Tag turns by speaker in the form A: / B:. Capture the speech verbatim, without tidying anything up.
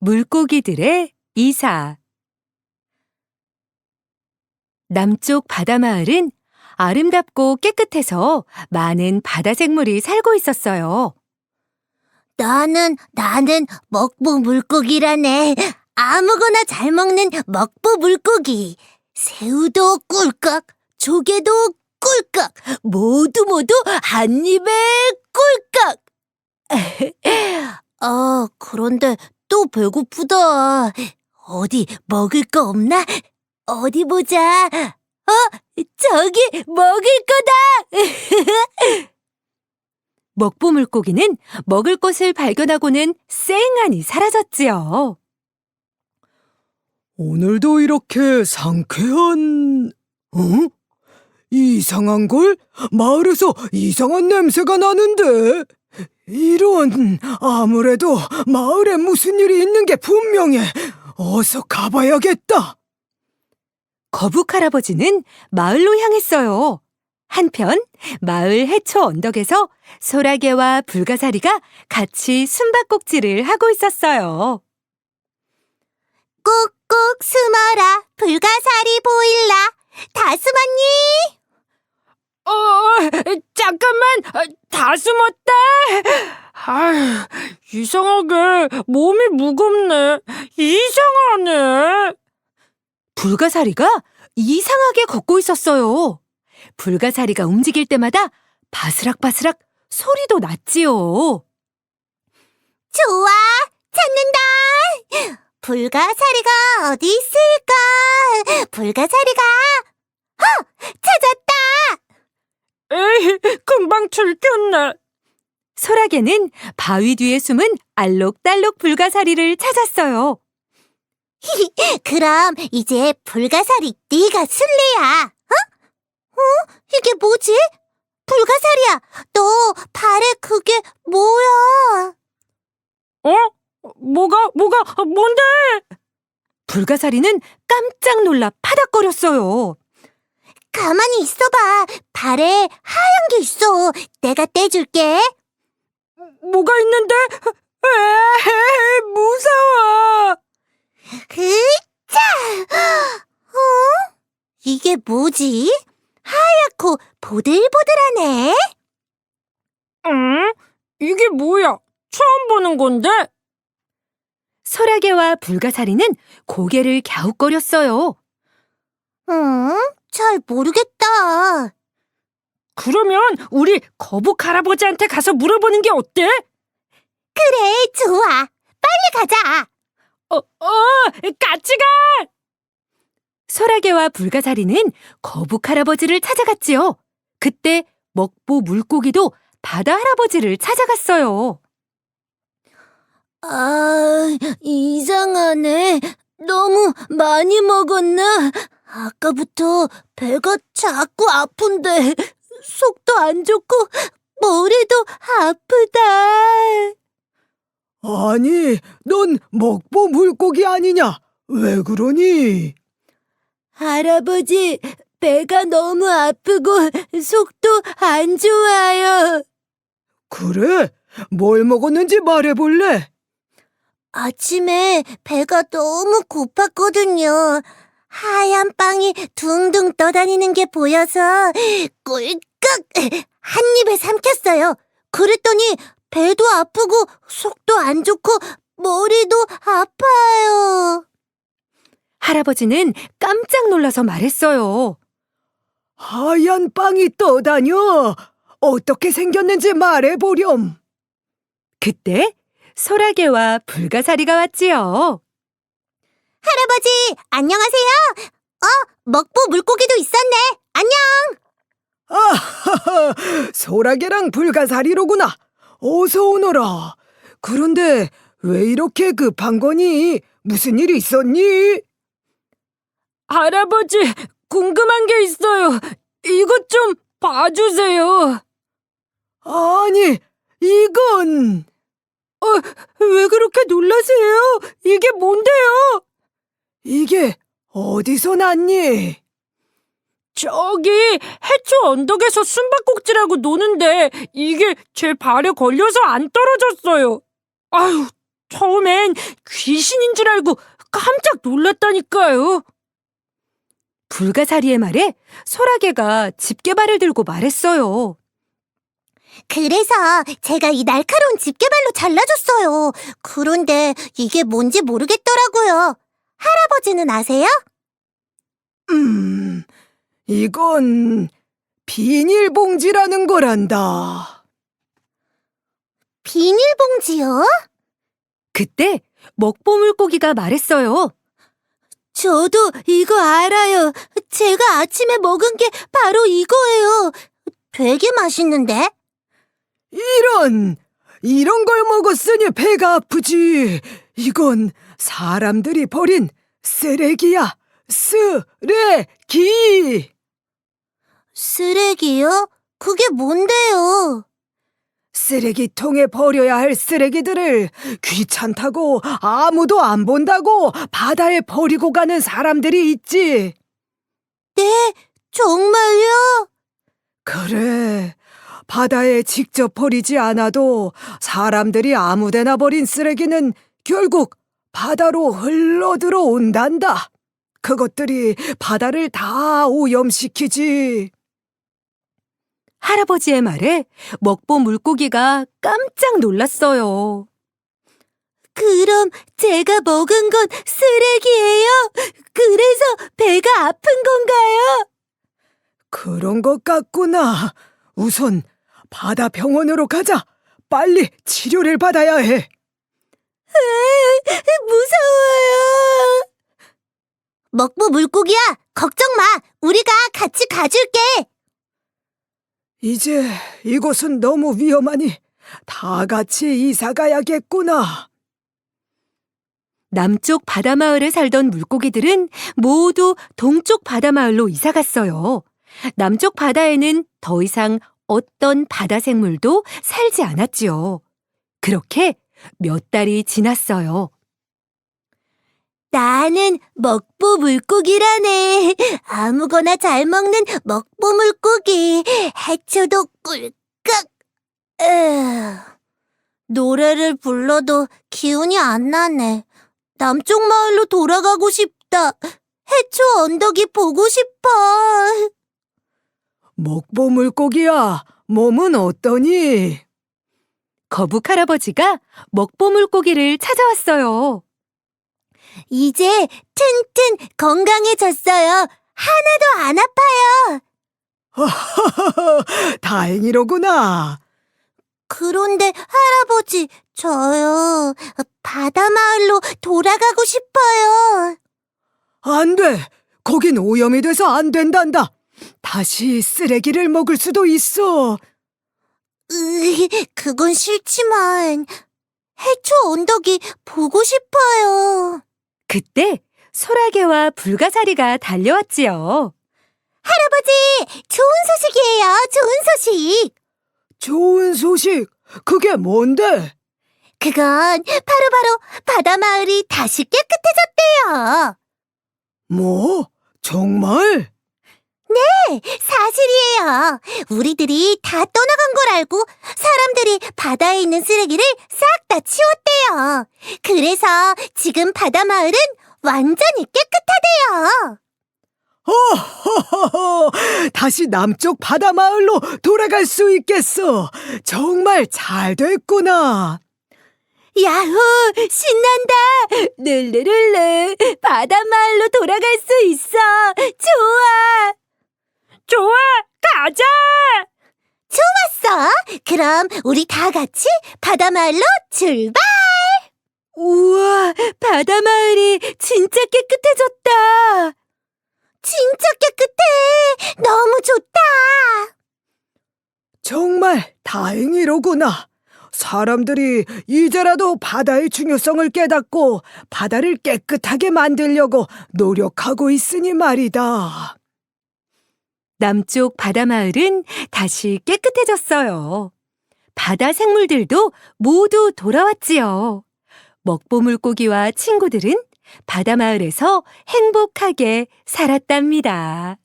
A: 물고기들의 이사. 남쪽 바다마을은 아름답고 깨끗해서 많은 바다 생물이 살고 있었어요.
B: 나는, 나는 먹보 물고기라네. 아무거나 잘 먹는 먹보 물고기. 새우도 꿀꺽, 조개도 꿀꺽, 모두 모두 한 입에 꿀꺽. 아, 그런데 또 배고프다. 어디 먹을 거 없나? 어디 보자. 어, 저기 먹을 거다.
A: 먹보 물고기는 먹을 것을 발견하고는 쌩하니 사라졌지요.
C: 오늘도 이렇게 상쾌한... 어? 이상한 걸? 마을에서 이상한 냄새가 나는데? 이런... 아무래도 마을에 무슨 일이 있는 게 분명해. 어서 가봐야겠다.
A: 거북 할아버지는 마을로 향했어요. 한편 마을 해초 언덕에서 소라게와 불가사리가 같이 숨바꼭질을 하고 있었어요.
B: 꾹꾹 숨어라, 불가사리 보일라. 다 숨었니?
D: 어, 잠깐만, 다 숨었다. 아휴, 이상하게 몸이 무겁네. 이상하네.
A: 불가사리가 이상하게 걷고 있었어요. 불가사리가 움직일 때마다 바스락바스락 소리도 났지요.
B: 좋아, 찾는다. 불가사리가 어디 있을까? 불가사리가, 어, 찾았다.
D: 에이, 금방 들켰네.
A: 소라게는 바위 뒤에 숨은 알록달록 불가사리를 찾았어요.
B: 그럼 이제 불가사리 네가 술래야. 어? 어? 이게 뭐지? 불가사리야, 너 발에 그게 뭐야?
D: 어? 뭐가, 뭐가, 뭔데?
A: 불가사리는 깜짝 놀라 파닥거렸어요.
B: 가만히 있어봐. 발에 하얀 게 있어. 내가 떼줄게.
D: 뭐가 있는데? 에이, 무서워.
B: 으짜! 어? 이게 뭐지? 하얗고 보들보들하네.
D: 응? 이게 뭐야? 처음 보는 건데?
A: 소라게와 불가사리는 고개를 갸웃거렸어요.
B: 응? 잘 모르겠다.
D: 그러면 우리 거북 할아버지한테 가서 물어보는 게 어때?
B: 그래, 좋아. 빨리 가자.
D: 어, 어, 같이 가!
A: 소라게와 불가사리는 거북 할아버지를 찾아갔지요. 그때 먹보 물고기도 바다 할아버지를 찾아갔어요.
B: 아, 이상하네. 너무 많이 먹었나? 아까부터 배가 자꾸 아픈데 속도 안 좋고 머리도 아프다.
C: 아니, 넌 먹보 물고기 아니냐? 왜 그러니?
B: 할아버지, 배가 너무 아프고 속도 안 좋아요.
C: 그래? 뭘 먹었는지 말해볼래?
B: 아침에 배가 너무 고팠거든요. 하얀 빵이 둥둥 떠다니는 게 보여서 꿀꺽 한 입에 삼켰어요. 그랬더니 배도 아프고 속도 안 좋고 머리도 아파요.
A: 할아버지는 깜짝 놀라서 말했어요.
C: 하얀 빵이 떠다녀. 어떻게 생겼는지 말해보렴.
A: 그때 소라게와 불가사리가 왔지요.
B: 할아버지, 안녕하세요. 어, 먹보 물고기도 있었네. 안녕.
C: 아하하, 소라게랑 불가사리로구나. 어서 오너라. 그런데 왜 이렇게 급한 거니? 무슨 일 있었니?
D: 할아버지, 궁금한 게 있어요. 이것 좀 봐주세요.
C: 아니, 이건...
D: 어, 왜 그렇게 놀라세요? 이게 뭔데요?
C: 이게 어디서 났니?
D: 저기 해초 언덕에서 숨바꼭질하고 노는데 이게 제 발에 걸려서 안 떨어졌어요. 아유, 처음엔 귀신인 줄 알고 깜짝 놀랐다니까요.
A: 불가사리의 말에 소라게가 집게발을 들고 말했어요.
B: 그래서 제가 이 날카로운 집게발로 잘라줬어요. 그런데 이게 뭔지 모르겠더라고요. 할아버지는 아세요?
C: 음, 이건 비닐봉지라는 거란다.
B: 비닐봉지요?
A: 그때 먹보물고기가 말했어요.
B: 저도 이거 알아요. 제가 아침에 먹은 게 바로 이거예요. 되게 맛있는데?
C: 이런, 이런 걸 먹었으니 배가 아프지. 이건 사람들이 버린 쓰레기야. 쓰레기.
B: 쓰레기요? 그게 뭔데요?
C: 쓰레기통에 버려야 할 쓰레기들을 귀찮다고 아무도 안 본다고 바다에 버리고 가는 사람들이 있지.
B: 네, 정말요?
C: 그래. 바다에 직접 버리지 않아도 사람들이 아무데나 버린 쓰레기는 결국 바다로 흘러 들어온단다. 그것들이 바다를 다 오염시키지.
A: 할아버지의 말에 먹보물고기가 깜짝 놀랐어요.
B: 그럼 제가 먹은 건 쓰레기예요? 그래서 배가 아픈 건가요?
C: 그런 것 같구나. 우선 바다 병원으로 가자. 빨리 치료를 받아야 해.
B: 무서워요. 먹보 물고기야, 걱정 마. 우리가 같이 가줄게.
C: 이제 이곳은 너무 위험하니 다 같이 이사 가야겠구나.
A: 남쪽 바다마을에 살던 물고기들은 모두 동쪽 바다마을로 이사 갔어요. 남쪽 바다에는 더 이상 어떤 바다 생물도 살지 않았지요. 그렇게 몇 달이 지났어요.
B: 나는 먹보 물고기라네. 아무거나 잘 먹는 먹보 물고기. 해초도 꿀꺽. 에휴, 노래를 불러도 기운이 안 나네. 남쪽 마을로 돌아가고 싶다. 해초 언덕이 보고 싶어.
C: 먹보 물고기야, 몸은 어떠니?
A: 거북 할아버지가 먹보물고기를 찾아왔어요.
B: 이제 튼튼 건강해졌어요. 하나도 안 아파요.
C: 다행이로구나.
B: 그런데 할아버지, 저요. 바다 마을로 돌아가고 싶어요.
C: 안 돼. 거긴 오염이 돼서 안 된단다. 다시 쓰레기를 먹을 수도 있어.
B: 으, 그건 싫지만 해초 언덕이 보고 싶어요.
A: 그때 소라게와 불가사리가 달려왔지요.
B: 할아버지, 좋은 소식이에요. 좋은 소식.
C: 좋은 소식. 그게 뭔데?
B: 그건 바로바로 바다 마을이 다시 깨끗해졌대요.
C: 뭐? 정말?
B: 사실이에요. 우리들이 다 떠나간 걸 알고 사람들이 바다에 있는 쓰레기를 싹 다 치웠대요. 그래서 지금 바다 마을은 완전히 깨끗하대요.
C: 호호호호! 다시 남쪽 바다 마을로 돌아갈 수 있겠어. 정말 잘 됐구나.
B: 야호! 신난다!
A: 르르르르 바다 마을로 돌아갈 수 있어. 좋아.
D: 좋아, 가자!
B: 좋았어! 그럼 우리 다 같이 바다 마을로 출발!
A: 우와, 바다 마을이 진짜 깨끗해졌다.
B: 진짜 깨끗해! 너무 좋다!
C: 정말 다행이로구나. 사람들이 이제라도 바다의 중요성을 깨닫고 바다를 깨끗하게 만들려고 노력하고 있으니 말이다.
A: 남쪽 바다 마을은 다시 깨끗해졌어요. 바다 생물들도 모두 돌아왔지요. 먹보물고기와 친구들은 바다 마을에서 행복하게 살았답니다.